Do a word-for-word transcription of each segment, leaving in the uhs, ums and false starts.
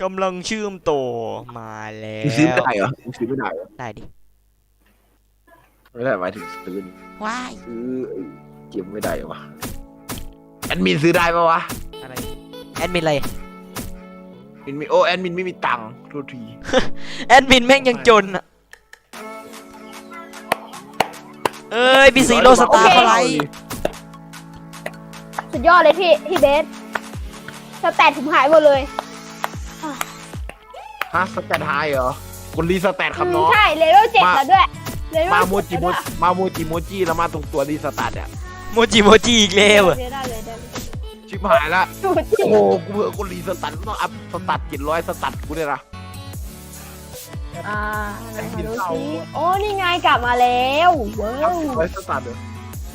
กำลังเชื่อมต่อมาแล้ซื้อไม่วได้เหรอซื้อไม่ได้เหรอได้ดิไม่ได้หมายถึงซื้อว้ายซื้อเก็บไม่ได้วะแอดมินซื้อได้ปะวะอะไรแอดมินอะไรแอดมินโอ้แอดมินไม่มีตังค์โทษทีแอดมินแม่งยังจนอ่ะเอ้ยพี่ซีโร่สตาร์อะไรสุดยอดเลยพี่พี่เบสสแตทผมหายหมดเลยฮะสแตทไฮเหรอคนรีสแตทครับน้องใช่เลเวลเจ็ดแล้วด้วยมาโมจิโมมาโมจิโมจิแล้วมาตรงตัวรีสแตทเนี่ยโมจิโมจิอีกแล้วชิบหายละโอ้โหกูเผื่อคนรีสแตทต้องอัพสแตทเจ็ดร้อยสแตทกูเนี่ยนะอ่าดูสิโอ้นี่ไงกลับมาแล้วว้าวร้อยสแตทเลย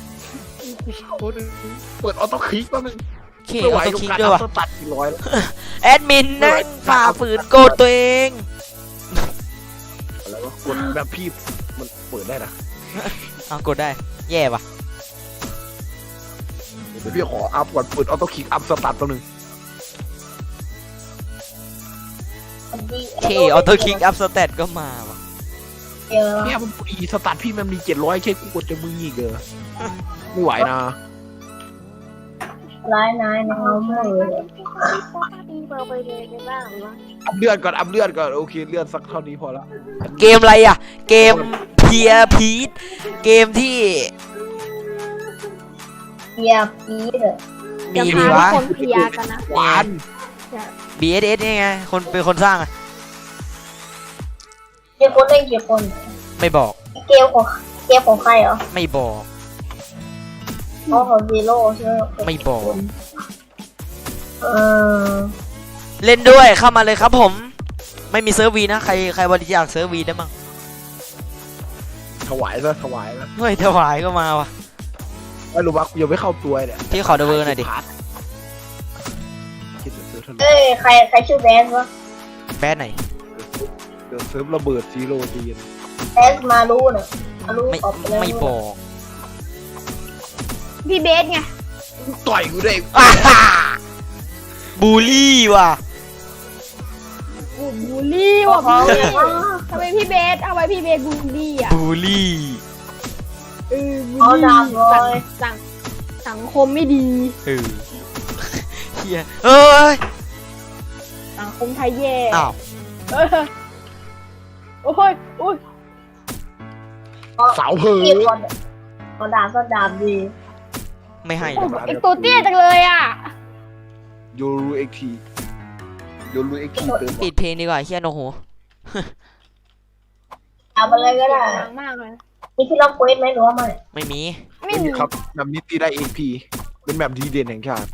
เปิดออโต้คลิกแป๊บนึงเคออโต้คลิกด้วยว่ะตัดกี่ร้อยแอดมินนั่งฝ่าฝืนโกดตัวเองแล้วก็กดแบบพี่มันเปิดได้นะเอากดได้แย่ป่ะเดี๋ยวพี่ขออัพก่อนเปิดออโต้คลิกอัพสตาร์ทตัวหนึ่งเคออโต้คลิกอัพสเตตก็มาว่ะเนี่ยมันอีสตาร์ทพี่มันมีเจ็ดร้อยแค่กูกดจะมึงอีกเออไม่ไหวนะร้ายนายน้องไม่เลยอัพเลือดก่อนอัพเลือดก่อนโอเคเลือดสักเท่านี้พอละเกมอะไรอ่ะเกมเพียพีทเกมที่เพียพีทมีดีวะคนเพียกันนะหวานบี เอส เอส นี่ไงคนเป็นคนสร้างอ่ะกี่คนเล่นกี่คนไม่บอกเกมของเกมของใครเหรอไม่บอกอ๋อของซีโร่ใช่ไหมไม่บอกเออเล่นด้วยเข้ามาเลยครับผมไม่มีเซิร์ฟวีนะใครใครบริจาคเซิร์ฟวีได้มั้งถวายซะถวายนะเฮ้ยถวายก็มาว่ะไม่รู้ว่ากูยังไม่เข้าตัวเนี่ยพี่ขอดูเบอร์หน่อยดิเอ้ยใครใครชื่อแบนวะแบนไหนเดี๋ยวเซิร์ฟระเบิดซีโร่จีนแบนมารู้หน่อยมารู้ไม่ไม่บอกพี่เบสไงต่อยกูได้บูลลี่ว่ะบูลลี่ว่ะทำไมพี่เบสเอาไว้พี่เบสบูลลี่อ่ะบูลลี่เออบูลลี่สังสังคมไม่ดีเออเฮียเอ้ยสังคมไทยแย่อ้าวโอ้ยโอ้ยสาวเผือเอาดาบก็ดาบดีไม่ให้ไอตัวเตี้ยจังเลยอ่ะโยรูเอ็กทีโยรูเอ็กทีเติมปิดเพลงดีกว่าเฮียโนโหเอาไปเลยก็ได้มากเลยมีที่ล็อกเควสไหมหรือว่าไม่ไม่มีไม่มีครับแบบนี้ตีได้เอ็กพีเป็นแบบดีเด่นแห่งชาติ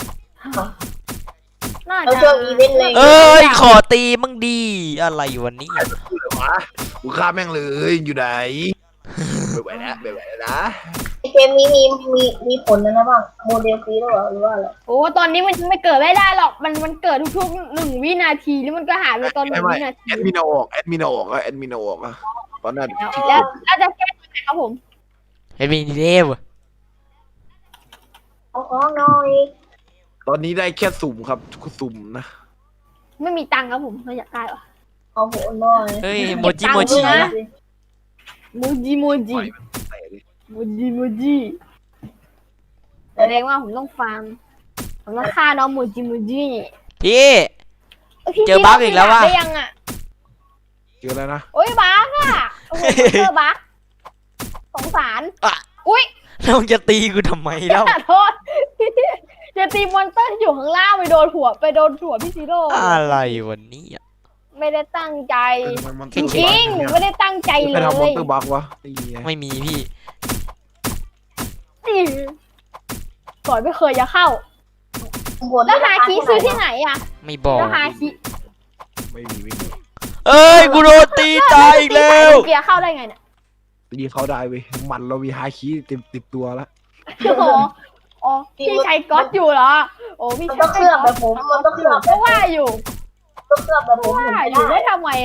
เราช่วงอีเวนต์เลยเอ้ยขอตีมั่งดีอะไรวันนี้วะกูฆ่าแม่งเลยอยู่ไหนไม่ไหวนะไม่ไหวนะเกมนี้มีมีมีผลนะบ้างโมเดลฟรีหรือเปล่าหรือว่าอะไรโอ้ตอนนี้มันไม่เกิดไม่ได้หรอกมันมันเกิดทุกๆหนึ่งวินาทีแล้วมันก็หายไปตอนหนึ่งวินาทีแอดมินออกแอดมินออกแอดมินออกอะตอนนั้นแล้วแล้วจะแก้ยังไงครับผมแอดมินเดวเอาของหน่อยตอนนี้ได้แค่สุ่มครับสุ่มนะไม่มีตังค์ครับผมไม่อยากได้หรอเอาโหน่อยเฮ้ยโมจิโมจิโมจิโมจิโมจิโมจิแสดงว่าผมต้องฟังผมต้องฆ่าน้องโมจิโมจิพี่เจอบั๊กอีกแล้วว่ะเจอแล้วนะโอ้ยบั๊กอ่ะโอ้โหเจอบั๊กสงสารอุ้ยแล้วจะตีกูทำไมแล้วโทษจะตีมอนเตอร์ที่อยู่ข้างล่างไปโดนหัวไปโดนหัวพี่ซีโร่อะไรวันนี้อ่ะไม่ได้ตั้งใจจริงๆไม่ได้ตั้งใจเลยไปทำมอนเตอร์บั๊กวะไม่มีพี่ก่อนไม่เคยจะเข้าแล้วฮาคิซื้อที่ไหนอ่ะไม่บอกแล้วฮาคิไม่มีไม่มีเอ้ยกูโดนตีตายอีกแล้วเกียร์เข้าได้ไงเนี่ยตีเข้าได้เว้ยมันเรามีฮาคิเต็มติดตัวแล้วโอ้โหอ๋อพี่ใช้ก๊อตอยู่เหรอโอ้พี่ต้องเคลือบแบบผมมันต้องเคลือบเพราะว่าอยู่ต้องเคลือบแบบผมว่าอยู่ได้ทำไม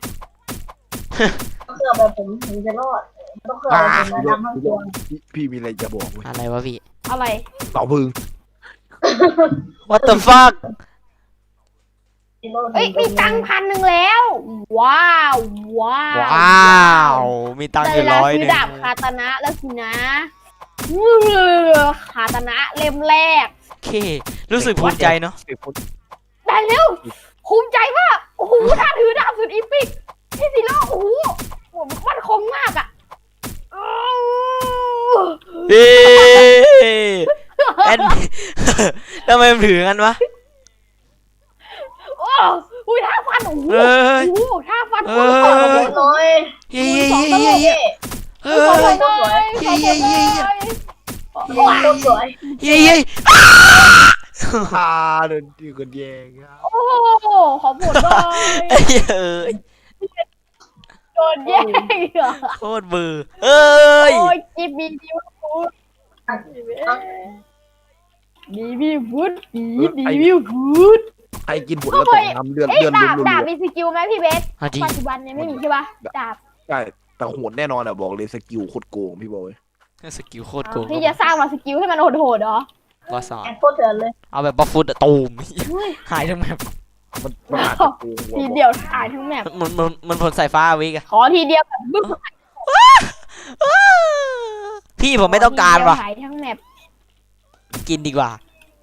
ต้องเคลือบแบบผมถึงจะรอดต้องเคลือบแบบผมนะทั้งตัวพี่มีอะไรจะบอกไหมอะไรวะพี่อะไรเต่าพึ่ง What the fuck เอ้ยมีตังค์พันหนึ่งแล้ว ว้าวว้าวว้าวมีตังค์อยู่ร้อยหซื้นึ่อง ดาบคาตานะแล้วสินะอื้อคาตานะเล่มแรกโอเค รู้สึกภูมิใจเนาะเด็กคนได้แล้วภูมิใจมากโอ้โหถ้าถือดาบสุดอีพิกพี่ซิโร่โอ้โหมันคมมากอ่ะอื้อเฮ้แอน ทำไมมันถือกันวะโอ้อุ้ยท่าฟันโอ้โหเอ้ยโอ้โหท่าฟันเอ้โอ้ยโหน้อยเย้คูณเย้สองเย้ตลเย้กเย้เฮ้ยขอเย้บคุณเย้หน่อยเย้ขอบคุณหน่อยสวยเย้เย้พาเดินดีกันแยงครับโอ้โหขอบคุณหน่อยไอ้เอ้ยโดนแย่งเหรอโคตรเบื่อเอ้ยโอ้ยจิบบีบีฟูดบีบีฟูดบีบีบีฟูดใครกินผลแล้วตกน้ำเลือดเอ้ยเลือดดาบรุนดาบมีสกิลไหมพี่เบสอ่ะดีปัจจุบันเนี่ยไม่มีใช่ปะดาบๆใช่แต่โหดแน่นอนอ่ะบอกเลยสกิลโคตรโกงพี่บอยสกิลโคตรโกงพี่จะสร้างมาสกิลให้มันโหดๆเหรอก็สอนแอนโคตรเถื่อนเลยเอาแบบบัฟฟุตอะตูมเฮ้ยหายทั้งแมปมันมันอาจจะโกงทีเดียวถ่ายทั้งแมปมันมันมันผลสายฟ้าวิกอะขอทีเดียวแบบบึ้มพี่ผมไม่ต้องการว่ะถ่ายทั้งแมปกินดีกว่า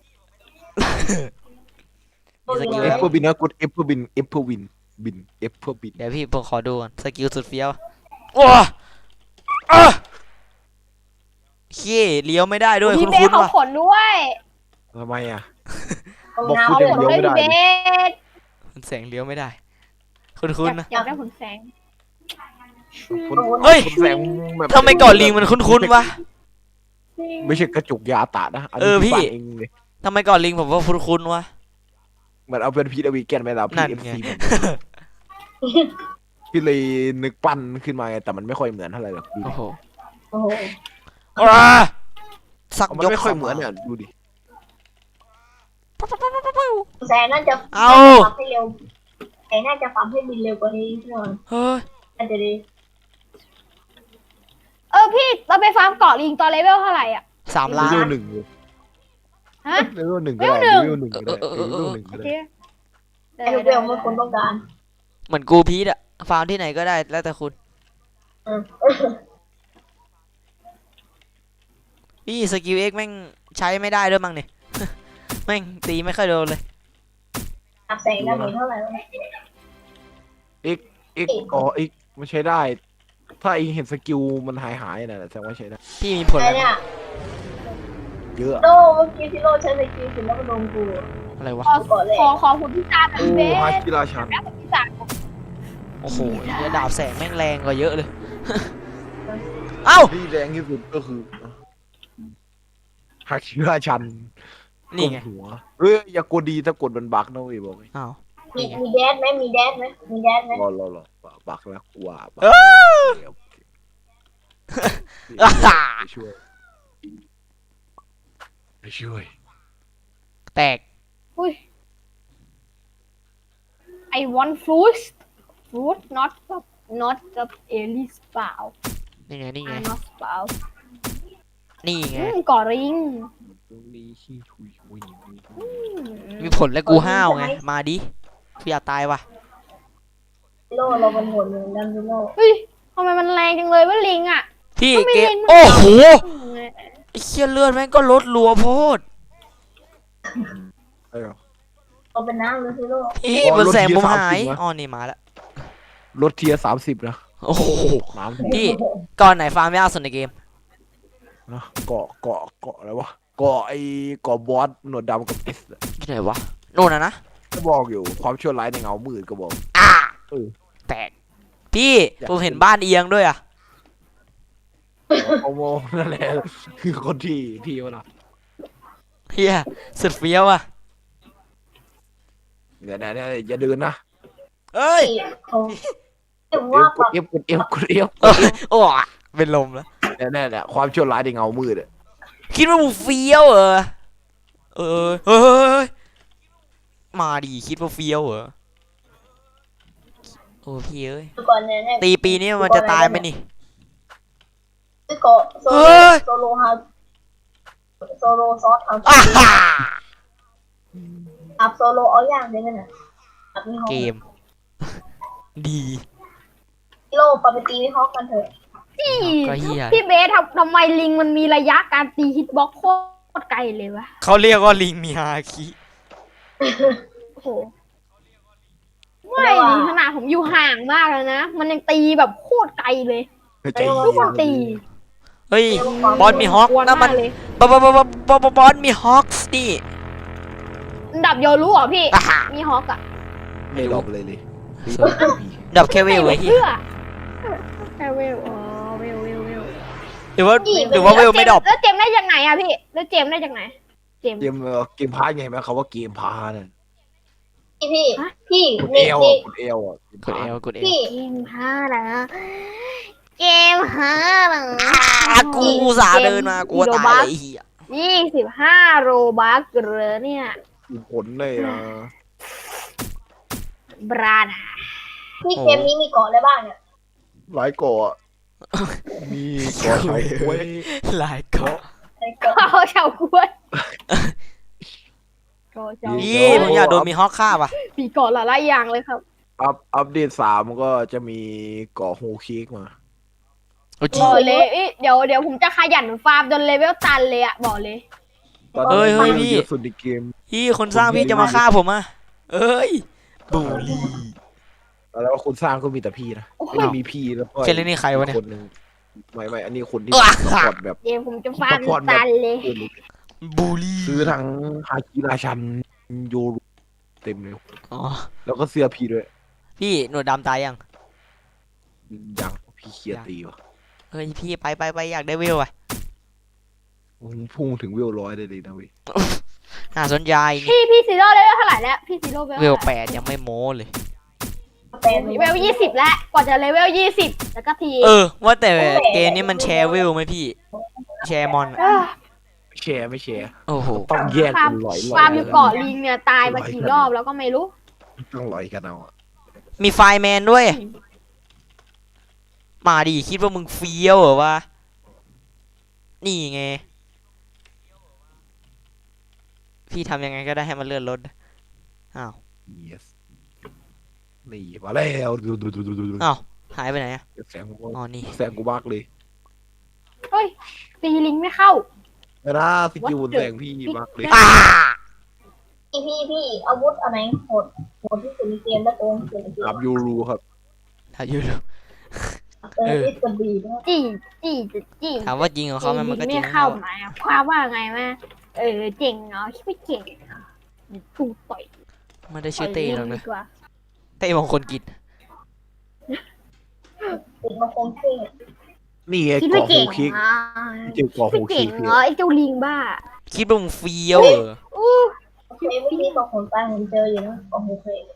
มีสกิลเอฟเพื่อบินนะกดเอฟเพื่อบินเอฟเพื่อวินบินเอฟเพื่อบินเดี๋ยวพี่ผมขอดูก่อนสกิลสุดเฟี้ยวว้าอ่ะเขี้เลี้ยวไม่ได้ด้วยพี่คุ้นเบสคุ้นเขาว่ะขนด้วยทำไมอ่ะตรงบอกน้พูดเขาเดี๋ยวขนเลี้ยวด้วยไม่ได้พี่เบสมันแสงเลี้ยวไม่ได้ คุ้นอคุ้นยากนะอยากได้ขนแสงคนเฮ้ยคนแสงแบบทำไมก่อนลิงมันคุ้นคุ้นวะไม่ใช่กระจุกยาตะนะนนี้เออพี่ที่บ้านเองเลยทำไมก่อนลิงผมว่าคุ้นคุ้นวะเหมือนเอาเป็นพีดวีแกนไปแล้วพีนั่นเอฟไงซีพี่เลยนึกปั้นขึ้นมาไงแต่มันไม่ค่อยเหมือนเท่าไหร่หรอกดูโอ้ดิโหำโอ้โหอ่าสักมันยกไม่ค่อยเหมือนเนี่ยดูดิแสงน่าจะเอาปั๊มให้เร็วแสงน่าจะปั๊มให้บินเร็วกว่านี้หน่อยเฮ้ยน่าจะดีเออพี่เราไปฟาร์มเกาะลิงตอนเลเวลเท่าไหร่อ่ะสามเลล้านเวลหนึ่งเลยฮะเลเวลหนึ่งก็ได้เลเลเวเวลลหหนึ่นึ่งงก็ได้เลเวลหนึ่งโอก็เคได้ไอ้ลูกเบลเมื่อคนต้องการเหมือนกูพีทอะฟาร์มที่ไหนก็ได้แล้วแต่คุณอืมพี่สกิลเอ็กแม่งใช้ไม่ได้ด้วยมั้งเนี่ย แม่งตีไม่ค่อยโดนเลยอับแสงได้เหมือนเท่าไหร่วะเอ็กเอ็กอ๋อเอ็กมันใช้ได้ ถ้าเองเห็นสกิลมันหายหายๆนะแสดงว่าใช้ได้พี่มีผลไอ้อะไรเนี่ยเยอะโดเมื่อกี้ที่โลใช้สกิลสิแล้วก็โดนกูอะไรวะขอก่อนเลยขอขอหุ่นพิซซ่าหน่อยโอ้พี่เบสฮาคิราชันแล้วหุ่นพิซซ่าโอ้โหเนี่ยดาบแสงแม่งแรงกว่าเยอะเลย เอ้าที่แรงที่สุดก็คือฮาคิราชันนี่ไงกดหัวเฮ้ยอย่ากดดีถ้ากดมันบักนะเว้ยบอกเลยอ้าวมีมีแดดไหมมีแดดไหมมีแดดไหมรอรอรอบักแล้วกลัวบักเอ้าโอเคอ่าไปช่วยไปช่วยแตกอุ้ย I want fruit fruit not not the Alice เปล่านี่ไงนี่ไง I not เปล่านี่ไงอืมเกาะลิงตรงนี้ขี้ชุยชุยอืมมีผลแล้วกูห้าวไงมาดิกูอยากตายว่ะโลเราเป็นหัวเหมือนกันพี่โลเฮ้ยทำไมมันแรงจังเลยว่าลิงอ่ะพี่ก็ไม่เกเล่มนมันโอ้โหอืมไอ้เชี่ยเลือดแม่งก็ลดรัวโพดไอ้เหรอเราเป็นน้ำเลยพี่โลพี่อ๋อมันแสงลดทีผมละหายสามสิบวะอ๋อนี่มาแล้วรถเทียสามสิบนะโอ้โหน้ำพี่ ก่อนไหนฟาร์มยากสุดในเกมนะเกาะเกาะเกาะอะไรวะเกาะไอ้เกาะบอสหนวดดำกับเอสที่ไหนวะโน่นนะนะก็บอกอยู่ความชั่วร้ายในเงามืดก็บอกอ่าเออแตก พี่อยากผมเห็นบ้านเอียงด้วยอ่ะโอโมนั่นแหละคือคนที่ที่วะล่ะเฮียสุดเฟี้ยวอ่ะเนี่ยเนี่ยเนี่ยอย่าเดินนะเอ้ยเขาถึงเอว่าฟกดเอฟกดเอฟกดเอฟเอ้ยโอ้ยเป็นลมแล้วเนี่ยเนี่ยเนี่ยความชั่วร้ายในเงามืดอะคิดว่ามึงเฟี้ยวเหรอเออเฮ้ยเฮ้ยเฮ้ยมาดิคิดว่าเฟี้ยวเหรอโอ้พี่เอ้ยก่อนเนี่ยตีปีนี้มันจะตายไหมนี่คือเกาะโซเฮ้โลยโซโลฮาโซโลซอสทำอ่าฮ่าอับโซโลเอาอย่างเดียวกันน่ะมีฮอกเกม ดีโลปาไปตีวิฮอกกันเถอะพี่ก็เหี้ยพี่เบสทำทำไมลิงมันมีระยะการตีฮิตบ็อกโคตรไกลเลยวะเขาเรียกว่าลิงมีฮาคิโอ้โหไม่ดิขนาดผมอยู่ห่างมากเลยนะ มันยังตีแบบโคตรไกลเลยใจทุกคนตีเฮ้ย บอลมีฮอกกวนนั่นมามักนเลยบอลบอลบอลบอลบอลมีฮอกส์นี่ดับโยรู้เหรอพี่อ่ะฮะมีฮอกอะไม่รอบเลยเลยตีดับแค่เวลไว้ที่เพื่อแค่เวลอ๋อเวลเวลเวลหรือว่าหรือว่าเวลไม่ดรอปแล้วเจมส์ได้จากไหนอะพี่ แล้วเจมส์ได้จากไหน เจมส์เกมเอ่อเกมพาร์ทไงไหมเขาว่าเกมพาร์ทน่ะพี่พี่ฮะพี่กดนี่เอลนี่อ่ะกดเอลอ่ะเกมกดพาเอร์ทลกดเอลพี่เกมห้าเหรอเกมห้าเหรออ่ะกูอุตสาห์เดินมากลัวตายเลยไอ้เหี้ยยี่สิบห้าโรบัคเหรอเนี่ยมีผลเลยนะบราดาพี่เกมนี้มีเกาะอะไรบ้างเนี่ยหลายเกาะอะมีเกาะชาวกล้วยหลายเกาะไอ้เกาะเขาชาวกล้วยก็ชาวกนี่ล้วยผมอยากโดนมีฮอกฆ่าป่ะปีเกาะหลายๆอย่างเลยครับอัพอัปเดตสามก็จะมีเกาะโฮเค้กมาโอ้จริงบอกเลยเอ้ยเดี๋ยวเดี๋ยวผมจะขยันฟาร์มจนเลเวลตันเลยอะบอกเลยตอนเฮ้นี้ยเฮ้ยพี่เยอะสุดในเกมพี่คนสร้างพี่จะมาฆ่าผมอ่ะเอ้ยบูลลี่แล้วคนสร้างก็มีแต่พี่นะโอ้โหไม่ได้มีพี่แล้วก็เจนนี่ใครวะเนี่ยคนหนึ่งไม่ไม่อันนี้คนที่อ่ะซัพพอร์ตแบบเดี๋ยวผมจะฟาร์มตันเลยบูลลี่ซื้อทั้งฮาคิราชันโยรุเต็มเลยอ๋อแล้วก็เสื้อพี่ด้วยพี่หนวดดำตายยังอย่างพี่เคลียร์ตีวะเฮ้ยพี่ไปไปไปอยากได้เวลอ่ะมึงพุ่งถึงเวลร้อยได้เลยนะเว้ยน่าสนใจนี่พี่พี่ซีโร่เลเวลเท่าไหร่แล้วพี่ซีโร่เลเวลเวลแปดยังไม่โม้เลยแต่เลเวลยี่สิบแล้วกว่าจะเลเวลยี่สิบแล้วก็ทีเออ ว่าแต่เกมนี้มันแชร์เวลไหมพี่ แชร์มอนอะเอ้อแชร์ไม่แชร์โอ้โหต้องแยกฟาร์กัมนลอยๆฟาร์มอยู่เกาะลิงเนี่ยตายมากี่รอบแล้วก็ไม่รู้ต้องลอยกันเอาอะมีไฟแมนด้วย มาดิคิดว่ามึงเฟี้ยวเหรอวะ นี่ไง พี่ทำยังไงก็ได้ให้มันเลื่อนรถอ้าว yes นี่มาแล้วดูดูดูดูดูดูอ้าวหายไปไหนอะแสงกูอ๋อนี่แสงกูบักเลยเฮ้ยตีลิงไม่เข้าไม่นะสกิลบนแสงพี่บักเลยอ้าพี่พี่พี่อาวุธอะไรโหดโหดที่สุดในเกมและโกงที่สุดในเกกับมยูรูครับถ้าอยู่ดูเออที่สุดดีนะจี้จี้จะจี้ถามว่าจริงของเขาไหมมันก็จริไม่งเข้าเขาไหมอะความว่าไงแม่เออเจ๋งเนาะคิดไม่เก่งเหรอถูกต่อยไม่ได้ชื่อเต้หรอกต่นะยดีกว่าเต้มงคลกิจติดมาคงเท่นี่ไงคิดไม่เกาะโฮเก่งเค้กเหรอเจอเกาะโฮคิดไม่เค้เก่กงพี่เหรอไอ้เจ้าลิงบ้าคิดว่ามึงเฟี้ยวเหรออู้โอเคไม่ที่ตัวขนตาผมเจออยู่นะโอ้โหเคย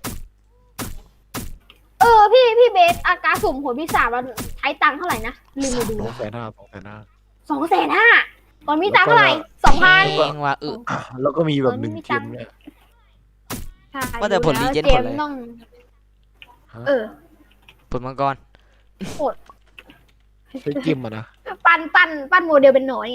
เออพี่พี่เบสอาการสุ่มผลพิศาจมันใช้ตังค์เท่าไหร่นะลืมไปดูสองแสนห้าสองแสนห้าสองแสนห้าตอนมีตังค์เท่าไหร่สองพันเองว่าเออแล้วก็มีแบบเออหนึ่งไม่เกตัมงค์เนี่ยใช่ว่าแต่ผลดู Legend เกผลมอะไรต้องฮะเออผลมังกรใช้เกมอะนะปั้นปั้นปั้นโมเดลเป็นหนอนไง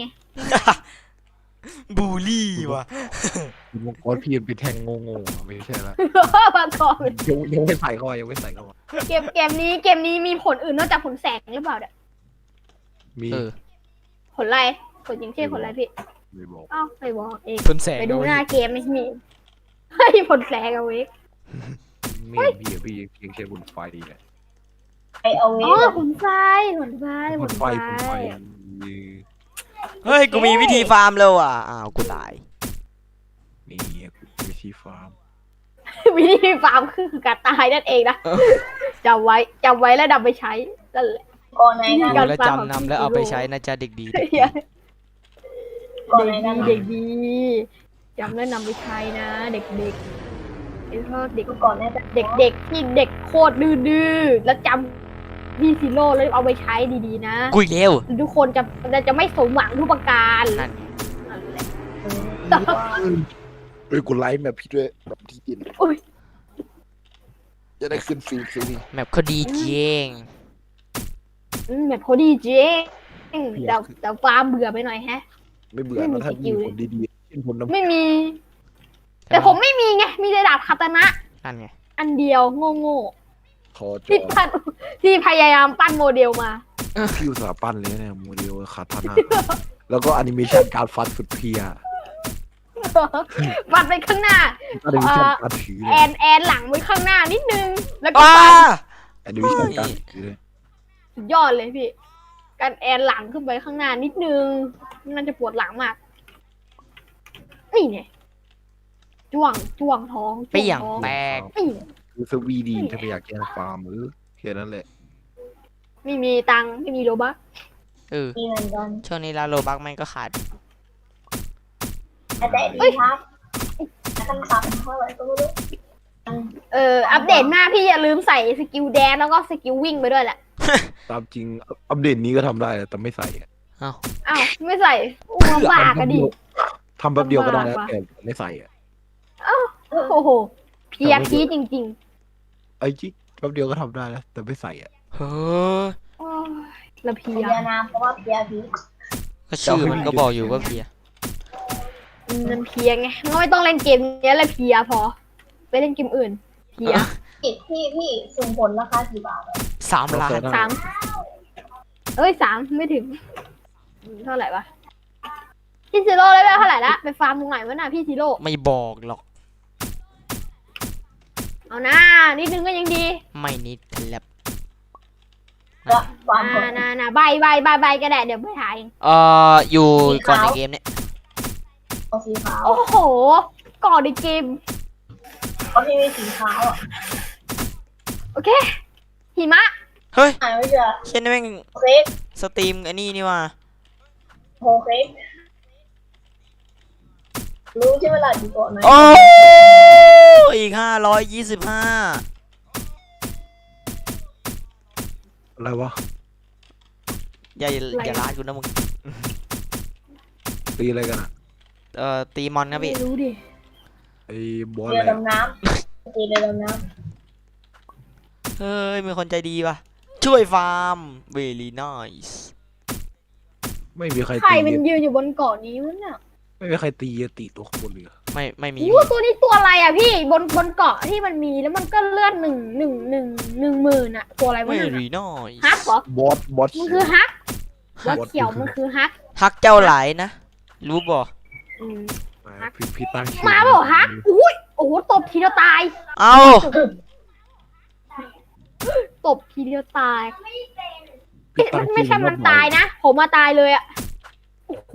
บูลลี่ว่ะมังกรพี่มันเป็นแทงงงๆอะไม่ใช่ละมาก่อนยังยังไม่ใส่เข้าไปยังไม่ใส่เข้าไปเกมเกมนี้เกมนี้มีผลอื่นนอกจากผลแสงหรือเปล่าเนี่ยมีเออผลอะไรผลยิงเช่นผลอะไรพี่ไม่บอกอ้าวไปบอกเองผลแสงไปดูเอาไว้หน้าเกมไม่มีเฮ้ยผลแสงเอาไว้ไม่เห็นพี่อะพี่ยังยังใช้บนไฟดีแหละไปเอาเวอ๋อฟผลไฟผลไฟบผนลไฟไฟบนไฟเฮ้ย กูมีวิธีฟาร์มแล้วอ่ะ อ้าว กูตายนี่วิธีฟาร์มวิธีฟาร์มคือการตายนั่นเองนะจำไว้จำไว้แล้วนำไปใช้นั่นแหละก่อนไหนกันการแล้วฟาร์มจำนำแล้วเอาไปใช้นะจ๊ะเด็กดีเด็กก่อนไหนกันดีเด็กดีจำแล้วนำไปใช้นะ เด็กเด็กไอ้พวกเด็กก่อนไหนกันเด็กเด็กที่เด็กโคตรดื้อๆแล้วจำพี่ซีโร่แล้วเอาไปใช้ดีๆนะกูอีกแล้วทุกคนจะจะจะไม่สมหวังทุกประการนั่นนั่นแหละเฮ้ยกูไลฟ์แบบพี่ด้วยแบบที่กินอุ๊ยจะได้ขึ้นฟีดสินี่แมปเขาดีจริงอืมแบบพอดีเจ๊แต่แต่ฟาร์มเบื่อไปหน่อยแฮะไม่เบื่อไม่มีนะถ้าสกิมีลผลดีๆเช่นผลน้ำไม่มี แต่ผมไม่มีไง มีแต่ดาบคาตานะนั่นไงอันเดียวโง่โง่คอจที่อปั้นที่พยายามปั้นโมเดลมาพี่อุตสาห์ปั้นเลยเนี่ยโมเดลคาทานะแล้วก็แอนิเมชันการฟันสุดเพลียปัดไปข้างหน้าแอนิเมชันการถือเลแอย นแอนหลังไว้ข้างหน้านิดนึง แล้วก็อ้าปัดแอนิเมชันการถือเลยสุดยอดเลยพี่ การแอนหลังขึ้นไปข้างหน้านิดนึงมันจะปวดหลังมากนี่เนี่ยจ้วงจ้วงท้องเปี้ยงจ้วท้องแตกนี่เนี่ยคือสวีดีถ้าไม่อยากแก้ฟาร์มหรือแค่นั้นแหละไม่มีตังค์ไม่มีโลบัคเออมีเหมือนกันช่วงนี้ร้านโลบักแม่งก็ขาดแต่ดีครับคำศัพท์เท่าไหร่ก็ไม่รู้เอออัปเดตมากพี่อย่าลืมใส่สกิลแดนแล้วก็สกิลวิ่งไปด้วยแหละตามจริงอัปเดตนี้ก็ทำได้แต่ไม่ใส่อะเอ้าอ้าวไม่ใส่อู้ลำบากอะดิทำแป๊บเดียวก็ได้แล้วลำบากว่ะแต่ไม่ใส่อะโอ้โหเพียพีจริงไอ้จิ๊กแป๊บเดียวก็ทำได้แล้วแต่ไม่ใส่อะเฮ้ยๆโอ้ยละเพีเพียยนามเพราะว่าเพียพีก็ชื่อมันก็บอกอยู่ว่าเพียมันเพียไงงั้นไม่ต้องเล่นเกมนี้เลยเพียพอ ไปเล่นเกมอื่น เพียพี่พี่พี่สุ่มผลราคากี่บาทอะสามล้านสามเอ้ยสามไม่ถึงอืมเท่าไหร่วะพี่ซีโร่เลยไปเท่าไหร่ละไปฟาร์มตรงไหนวะน่ะพี่ซีโร่ไม่บอกหรอกเอาหน้านิดนึงก็ยังดีไม่นิดครับก็วางผลน่าน่าน่าใบใบใบใบก็ได้เดี๋ยวไปถ่ายเองเอ่ออยู่ก่อนในเกมเนี่ยเอาสีขาวโอ้โหก่อนในเกมเพราะที่มีสีขาวอ่ะโอเคหิมะเฮ้ยอ่านไม่เจอเช่นนี้แม่งเค้กสตรีมอันนี้นี่ว่าโฮเค้กรู้ใช่ไหมล่ะอยู่เกาะไหนโอ้อีกห้าร้อยยี่สิบห้าอะไรวะอย่าอย่าลาดกูนะมึงตีอะไรกันอะเอ่อตีมอนครับพี่ไม่รู้ดิไอ้บอลเรืออะไรดำน้ำตีเรือดำน้เฮ้ยมีคนใจดีป่ะ ช่วยฟาร์ม very nice ไม่มีใครใครตีมันยืนอยู่บนเกาะนี้วะเนี่ยไม่มีใครตีตีตัวข้างบนเลยอะไม่ไม่มีโอ้ตัวนี้ตัวอะไรอ่ะพี่บนบนเกาะที่มันมีแล้วมันก็เลือดหนึ่งหนึ่งหนึ่งหนึ่งหมื่นอ่ะตัวอะไรวะไม่เนี่ย very nice ฮักเหรอบอสบอสมันคือฮักบอว่าสเขียวมันคือฮักฮักเจ้าหลายนะ รู้บ่อืมมาพี่พี่ตั้งชื่อมาเปล่าฮักอุ้ยโอ้โหตบทีเดียวตายเอ้าตบทีเดียวตายพี่เอ๊ะตั้มังนไม่ใช่มันตายนะ ผมมาตายเลยอ่ะโอ้โห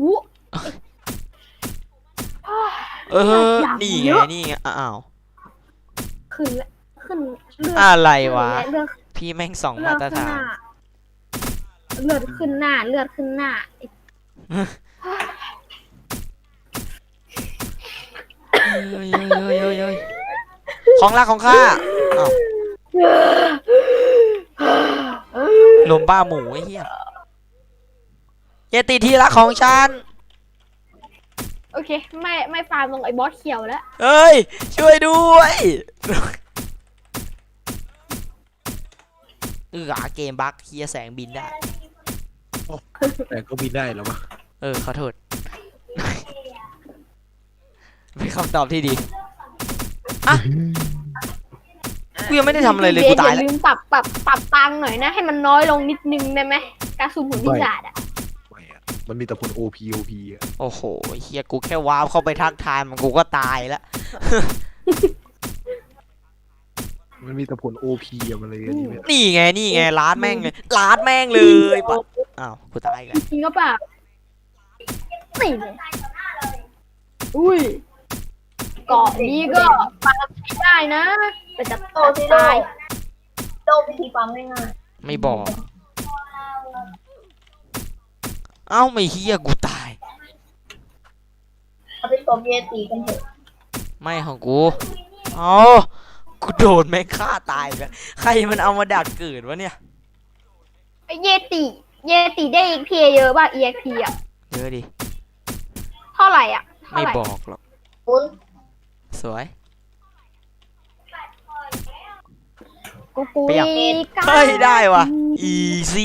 เอออยากนี่เยไงอะนี่ไงอ้าวขึ้นแล้วขึ้นเลือดอะไรวะเลือดพี่แม่งสองเลืมาอดตรขึ้นฐาหนน้าเลือดขึ้นหน้า เลือดขึ้นหน้าเฮ้ยเฮ้ยเฮ้ยเฮ้ยเฮ้ยของรักของข้าอ้าวลมบ้าหมูไอ้เหี้ยอย่าติดที่รักของฉันโอเค ไม่ไม่ฟาร์มลงไอ้บอสเขียวแล้วเฮ้ย ช่วยด้วยเออเกมบั๊กเฮียแสงบินได้แต่ก็บินได้แล้ววะเออขอโทษ เป็นคำตอบที่ดีอ่ะกูยังไม่ได้ทำอะไรเลยกูตายอแล้วย่าลืมปรับปรับปรับตังค์หน่อยนะ ให้มันน้อยลงนิดนึงได้ไหมการสุ่มผลพิศาจอ่ะไม่อะมันมีแต่ผล โอ พี โอ พี อะโอ้โหเฮียกูแค่ว้าวเข้าไปทักทายมันกูก็ตายแล้วมันมีแต่ผล โอ พี อะมันเลยอันนี้ไม่ได้นี่ไงนี่ไงลาดแม่งเลยลาดแม่งเลยปะอ้าวกูตายอีกแล้วจริงก็เปล่านี่เลยอุ้ยเกาะนี้ก็ฟาร์มใช้ได้นะ แต่จะำโตที่โดตายโดวิธีปั๊มง่ายไม่บอก เอ้าไม่เฮียกูตายๆเอาไปตบเยตีกันเถอะไม่ของกูเอ้ากูโดนแม่งฆ่าตายกันใครมันเอามาดักเกิดวะเนี่ยไอ้เยติ เยติได้ อี เอ็ก พี เยอะป่ะ อี เอ็ก พี อ่ะเยอะดิเท่าไหร่อ่ะเท่าไม่ไหร่บอกหรอกคุณสวยกูกูเปรี้ยงอีกเฮ้ยได้วะ easy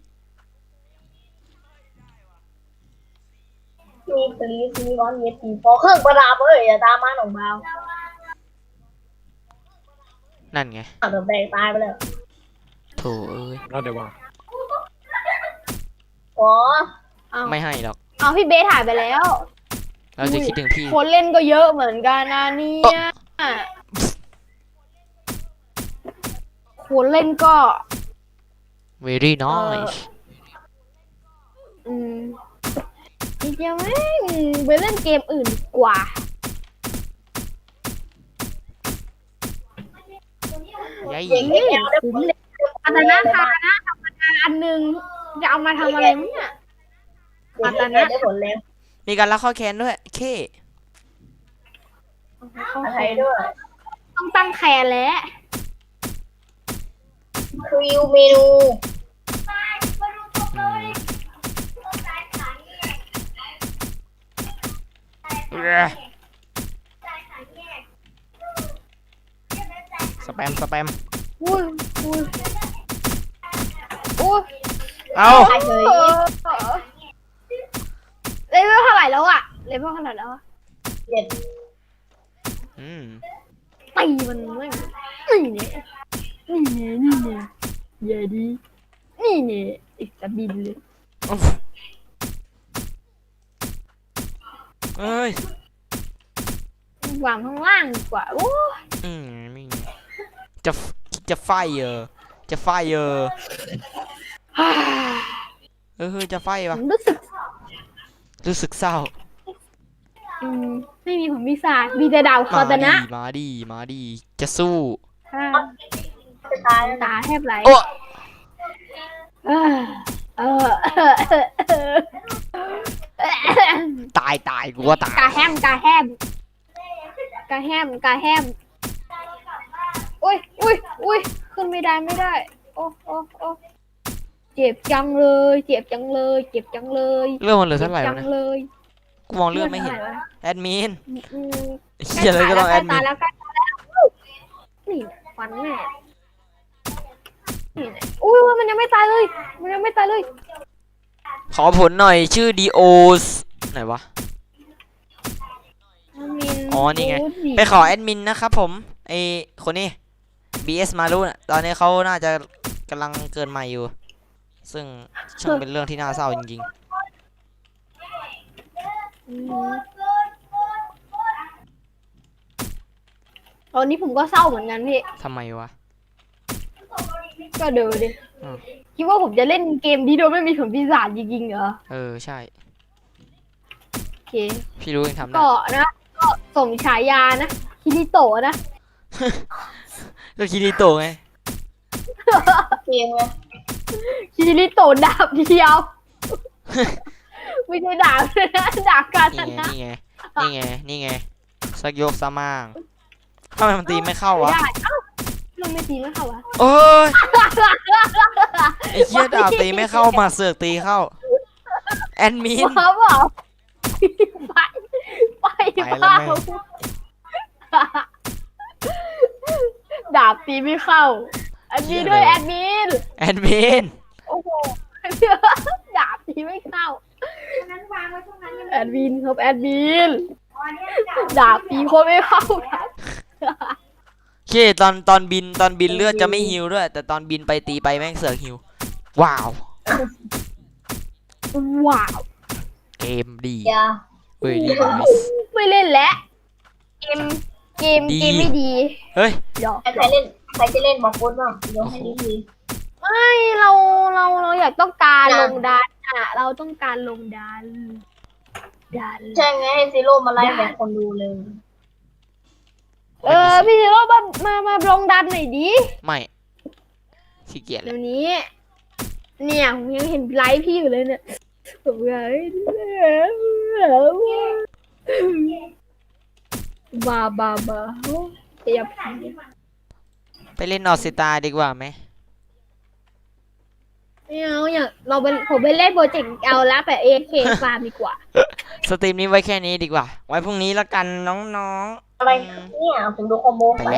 มีปรีสมีร้อนเยตีพอเครื่องประดับเอ้ยอย่าตามมาหนองเบานั่นไงเอาเดี๋ยวแบกตายไปเลยโถเอ้ยแล้วเดี๋ยวว่าอ๋อเอาไม่ให้หรอกเอาพี่เบสถ่ายไปแล้วเราจะคิดถึงพี่คนเล่นก็เยอะเหมือนกันนะเนี่ยคนเล่นก็ very nice อืมจริงๆแม่งไปเล่นเกมอื่นดีกว่ายัยเด็กเอ็กแอลได้ผลเลยอัตนาคานะธรรมดาอันหนึ่งจะเอามาทำอะไรมั้งเนี่ยเด็กเอ็กแอลได้ผลแล้วมีการรักข้อแค้นด้วยเคอะไรด้วยต้องตั้งแคนแล้วคริวเมนูอืมเอ้ยสแปมสแปมอุ้ยอุ้ยอุ้ยเอาตายเลยเลเวลเท่าไหร่แล้วอะเลเวลเท่าไหร่แล้วอะเจ็ดอืมตีมันไม่นี่เนี่ยนี่เนี่ยนี่เนี่ยอย่าดีนี่เนี่ยอีกจะบินเลยเอ้ยวางข้างล่างดีกว่าโอ้อืมไม่จะจะไฟเออจะไฟเออเออจะไฟผปะมรู้สึกรู้สึกเศร้าอืมไม่มีผมมีศาสตร์มีแต่ดาวคอมาตนะดีมาดีมาดีจะสู้อ่าจะตายแล้วตาแทบไหลโอ้เออเออเออเออเออตายตายกูว่าตายกาแฮมกาแฮมกาแฮมกาแฮมอุ้ยอุ้ยอุ้ยขึ้นไม่ได้ไม่ได้ โอ้โอ้โอ้เจ็บจังเลย เจ็บจังเลย เจ็บจังเลยเรื่องมันเหลือเท่าไหร่จ็บวะจัเนี่ยงเลยกูมองเรื่องไม่เห็นท่าร่วะแอดมินอืมเฮียเลยก็ต้องแอดมิใกล้นตายแล้วใกล้ตายแล้วนี่ฟันแม่นี่อุ้ยมันยังไม่ตายเลย มันยังไม่ตายเลยขอผลหน่อยชื่อดีโอสไหนวะ อ๋อนี่ไง ไปขอแอดมินนะครับผมไอคนนี้ บี เอส มารุน่ะตอนนี้เขาน่าจะกำลังเกินใหม่อยู่ ซึ่งช่างเป็นเรื่องที่น่าเศร้าจริงอืมตอนนี้ผมก็เศร้าเหมือนกันพี่ๆทำไมวะก็เดี๋ยวดิอืมคิดว่าผมจะเล่นเกมนี้โดยไม่มีผลปีศาจจริงๆเหรอเออใช่โอเคพี่รู้ยังทำได้ก็นะ ก็สมฉายานะคิริโตะนะก็คิริโตะไงเกมไงคิริโตะดาบเดียว ไม่ใช่ดาบนะดาบกานี่ตไงนะนี่ไงนี่ไงนี่ไงสักยกสมางทำไมมันตีไม่เข้าวะได้เอ้าเราไม่ตีไม่เข้าวะเอ้ยไอ้เหี้ยดาบตีไม่เข้ามาเสือกตีเข้าแอดมินว้าวเปล่าไปไปไปแล้วเปล่าแม่ดาบตีไม่เข้า อันนี้ด้วยแอดมินแอดมินโอ้โห ดาบตีไม่เข้าแอดมินครับแอดมินดาบตีโคตรไม่เข้าครับโอเคตอนตอนบินตอนบินเลือดจะไม่ฮิวด้วย แต่ตอนบินไปตีไปแม่งเสือกฮิวว้าวว้าวเกมดีอย่าเฮ้ยดีไม่เล่นแล้วเกมเกมดีเกมไม่ดีเฮ้ยเดี๋ยวใครเล่นใครจะเล่นบอกพูดบ้างเดี๋ยวให้ดีทีไม่เราเราเราอยากต้องการลงดันอ่ะ เราต้องการลงดันดันใช่ไงให้ซีโร่มาไล่แบบคนดูเลยเออพี่ซีโร่มามามาลงดันหน่อยดิไม่ขี้เกียจเลเดี๋ยยวนี้ เนี่ยผมยังเห็นไลฟ์พี่อยู่เลยเนี่ยผมไลฟ์บาบาบาเตียบไปเล่นนอร์ซิตาดีกว่าไหมไม่เอาอยากเราไปผมไปเล่นโปรเจกต์เอาละแบบเอเคฟาร์มดีกว่าสตรีมนี้ไว้แค่นี้ดีกว่า ไว้พรุ่งนี้ละกันน้องๆอะไรเนี่ยผมดูคอมโบไป